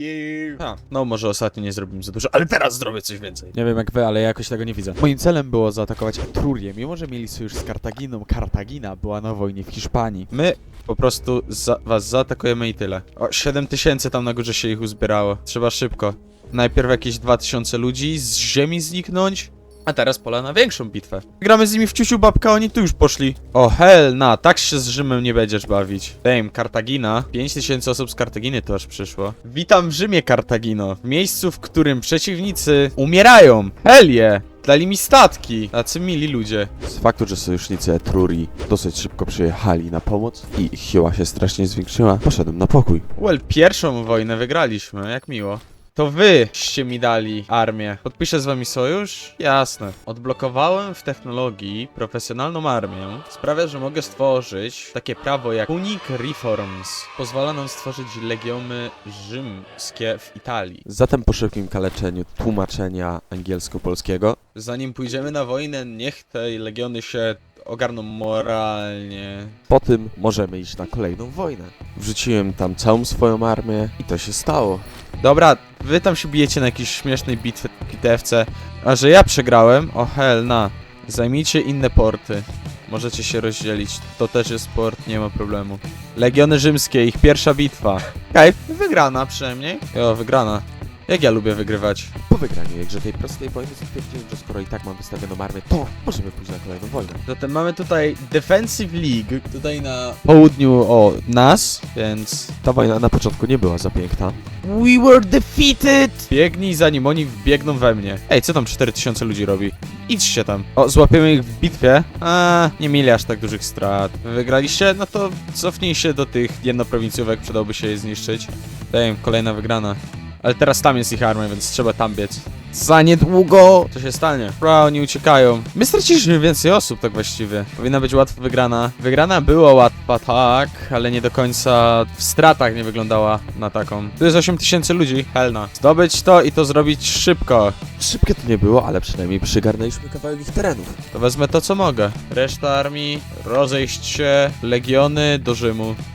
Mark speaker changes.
Speaker 1: No może ostatnio nie zrobimy za dużo, ale teraz zrobię coś więcej.
Speaker 2: Nie wiem jak wy, ale ja jakoś tego nie widzę. Moim celem było zaatakować Etrurię, mimo że mieli sojusz z Kartaginą. Kartagina była na wojnie w Hiszpanii.
Speaker 1: My po prostu was zaatakujemy i tyle. O, 7000 tam na górze się ich uzbierało. Trzeba szybko. Najpierw jakieś 2000 ludzi z ziemi zniknąć, a teraz pola na większą bitwę. Gramy z nimi w ciuciu babka, oni tu już poszli. O hell, tak się z Rzymem nie będziesz bawić. Damn, Kartagina. 5000 osób z Kartaginy to aż przyszło. Witam w Rzymie, Kartagino. W miejscu, w którym przeciwnicy umierają. Hell yeah. Dali mi statki. Tacy mili ludzie.
Speaker 3: Z faktu, że sojusznicy Etrurii dosyć szybko przyjechali na pomoc i ich siła się strasznie zwiększyła, poszedłem na pokój.
Speaker 1: Well, pierwszą wojnę wygraliśmy, jak miło. To wyście mi dali armię. Podpiszę z wami sojusz? Jasne. Odblokowałem w technologii profesjonalną armię. Sprawia, że mogę stworzyć takie prawo jak Punic Reforms. Pozwala nam stworzyć legiony rzymskie w Italii.
Speaker 3: Zatem po szybkim kaleczeniu tłumaczenia angielsko-polskiego
Speaker 1: Zanim pójdziemy na wojnę, niech te legiony się ogarną moralnie.
Speaker 3: po tym możemy iść na kolejną wojnę. Wrzuciłem tam całą swoją armię i to się stało.
Speaker 1: Dobra, wy tam się bijecie na jakiejś śmiesznej bitewce, a że ja przegrałem, o hell zajmijcie inne porty. Możecie się rozdzielić, to też jest port, nie ma problemu. Legiony rzymskie, ich pierwsza bitwa. Okej, wygrana przynajmniej. Jo, wygrana. Jak ja lubię wygrywać.
Speaker 3: Po wygraniu jakże tej prostej wojny stwierdziłem, że skoro i tak mam wystawioną armię, to możemy pójść na kolejną wojnę.
Speaker 1: Zatem mamy tutaj Defensive League, tutaj na południu od nas, więc
Speaker 3: Ta wojna na początku nie była za piękna.
Speaker 1: we were defeated! Biegnij zanim oni wbiegną we mnie. Ej, co tam 4000 ludzi robi? Idźcie tam. O, złapiemy ich w bitwie. Nie mieli aż tak dużych strat. Wy wygraliście? No to cofnij się do tych jednoprowincjówek, przydałoby się je zniszczyć. Damn, kolejna wygrana. Ale teraz tam jest ich armia, więc trzeba tam biec. Za niedługo! Co się stanie? Bro, oni uciekają. My straciliśmy więcej osób, tak właściwie. Powinna być łatwa wygrana. Wygrana była łatwa, tak, ale nie do końca w stratach nie wyglądała na taką. Tu jest 8000 ludzi, helna. Zdobyć to i to zrobić szybko.
Speaker 3: Szybkie to nie było, ale przynajmniej przygarnęliśmy kawałek ich terenów.
Speaker 1: To wezmę to, co mogę. Reszta armii, rozejść się, legiony do Rzymu.